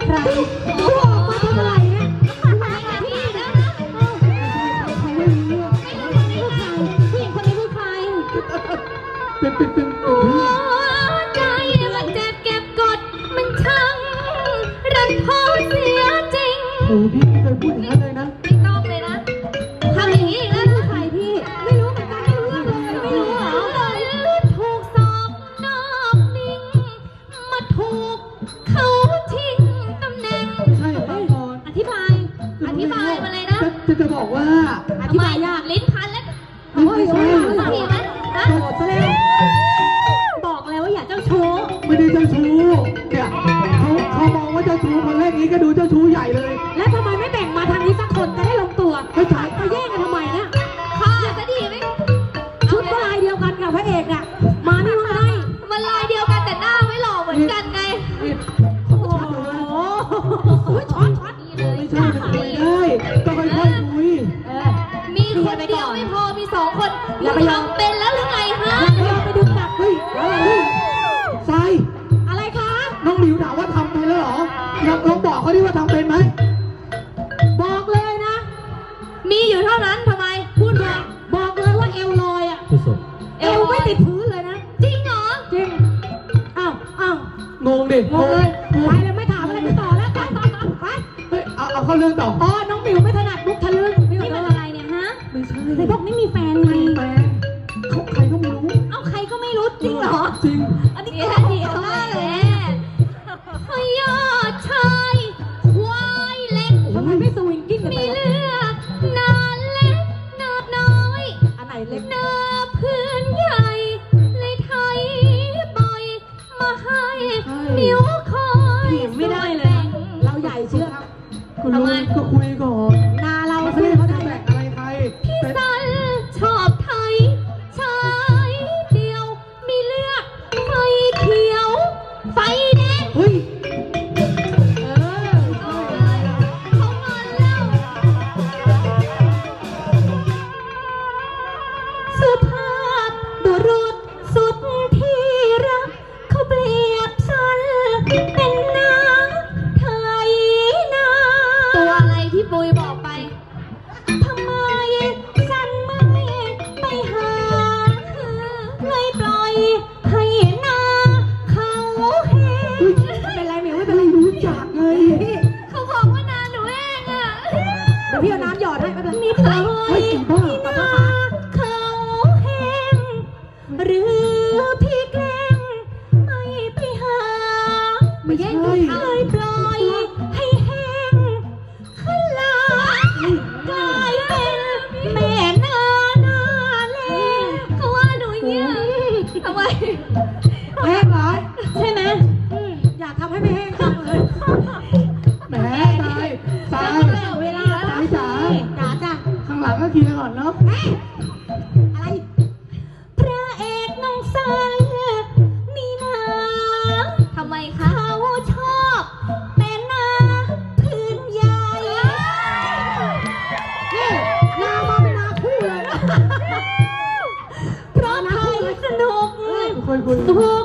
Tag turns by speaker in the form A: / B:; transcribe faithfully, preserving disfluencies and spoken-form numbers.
A: ใครกูออกมาทำอะไรเนี่ยพี่นะผู้หญิงคนนี้คือใคร
B: เป็นเป็นเป็น
A: หัวใจมันเจ็บเก็บกดมันช่างรันทดเสียจริง
B: โอ้พี่ไม่เคยพูดอย่างนั้นเลยนะ
A: ไม่ต้องเลยนะทำอย่างนี้อีกแล้วใครพี่ไม่รู้เหมือนกันไม่รู้เรื่องเลยไม่รู้เหรอถูกสอบนอกนิ่งมาถูกเขาทิ้งตำแหน่ง
B: ใช่ครับก่อน
A: อธิบายอธิบายมาเลยนะ
B: จะจะบอกว่า
A: อธิบายยากลิ้นพันแล้ว
B: ไม่ใช่
A: สักทีไหมฮะโกรธซะแล้วบอกแล้วว่าอย่าเจ้าชู้
B: ไม่ได้เจ้าชู้เนี่ยเขาเขามองว่าเจ้าชู้คนแรกนี้ก็ดูเจ้าชู้ใหญ่เลย
A: แล้วทำไมไม่แบ่งมาทางนี้สักคนจะได้ลงตัว
B: ไม่ใช่
A: มาแย่งกันทำไมเนี่ยค่ะจะดีไหมชุดก็ลายเดียวกันกับพระเอกน่ะมาไม่มาได้มันลายเดียวกันแต่หน้าไม่หล่อเหมือนกันไงโอ้โหช็อตช็อตนี่เลย
B: ไม่ใช่จะคุยได้ต้องค่อยๆคุย
A: มีคนเดียวไม่พอมีสองคนอย่าไปยอมเป็นแล้วหรือไงฮะอย่าไปดึงจับ
B: เฮ้ยอะไรทราย
A: อะไรคะ
B: น้องหลิวถามว่าทำเป็นแล้วเหรอลองลองบอกเขาดิว่าทำเป็นไหม
A: บอกเลยนะมีอยู่เท่านั้นทำไมพูดบอกบอกเลยว่าเอวลอยอ่ะเอวไม่ติดพื้นเลยนะจริงเหรอจริงอ้าวอ้าว
B: งงดิ
A: งงเลยไปเลยไม่ถามอะไรไปต่อแล้วไปไป
B: เฮ้ยเอาเอาเข้าเรื่องต่อ
A: อ๋อน้องหมิวไม่ถนัดมุกทะลึ่งนี่มันอะไรเนี่ยฮะ
B: ไม่ใช่
A: ในพวกไม่มีแฟนไง
B: แฟนเขาใครก็ไม่รู้
A: เอ้าใครก็ไม่รู้จริงเหรอ
B: จริง
A: อันนี้ก็ดีมากเลยยอดชายควายเล็กทำไมไม่สวิงกิ้งกันไปมีเลือดนานเล็กนาบน้อยอันไหนเล็กนาพื้นใหญ่เลยไทยบ่อยมาให้มิวคอยไม่ได้เลยเราใหญ่เชื่อ
B: คุณลุงก็คุยก่อน
A: นาเรา
B: ไม่ได้เขาจะแบกอะไรใคร
A: พี่สันชอบไทยชายเดียวมีเลือดไฟเขียวไฟแดง
B: เฮ้ย
A: สุภาพบุรุษสุดที่รักเขาเปรียบฉันเป็นนางไทยนาตัวอะไรที่ปุยบอกไปทำไมฉันไม่ไปหาเลยปล่อยให้นาเขาเห็นเป็นไรหมิวไม่เป็นไร
B: รู้จักไง
A: เขาบอกว่านาหนูเองอ่ะเดี๋ยวพี่เอาน้ำหยอดให้ไม่เป็นไรนิดหน่อยเขาเห็นหรือพี่แกล้งไม่ไปหาไม่แย่งเลยปล่อยให้แห้งขึ้นลากลายเป็นแม่นาหน้าเล่เขาว่าหนูอย่างเงี้ยทำไม
B: แห้งเหรอ
A: ใช่ไหมอยากทำให้ไม่แห้งจังเลย
B: แหมตายตาย
A: เวลา
B: ตายจ๋า
A: จ๋าจ้ะ
B: ข้างหลังก็เคลียร์ก่อนเนาะ
A: อะไรพระเอกน้องสันมีนาทำไมเขาชอบเป็นนาพื้นใหญ่นี่นามาเป็นนาคู่เลยเพราะไทยสนุก
B: คุยคุย
A: สุ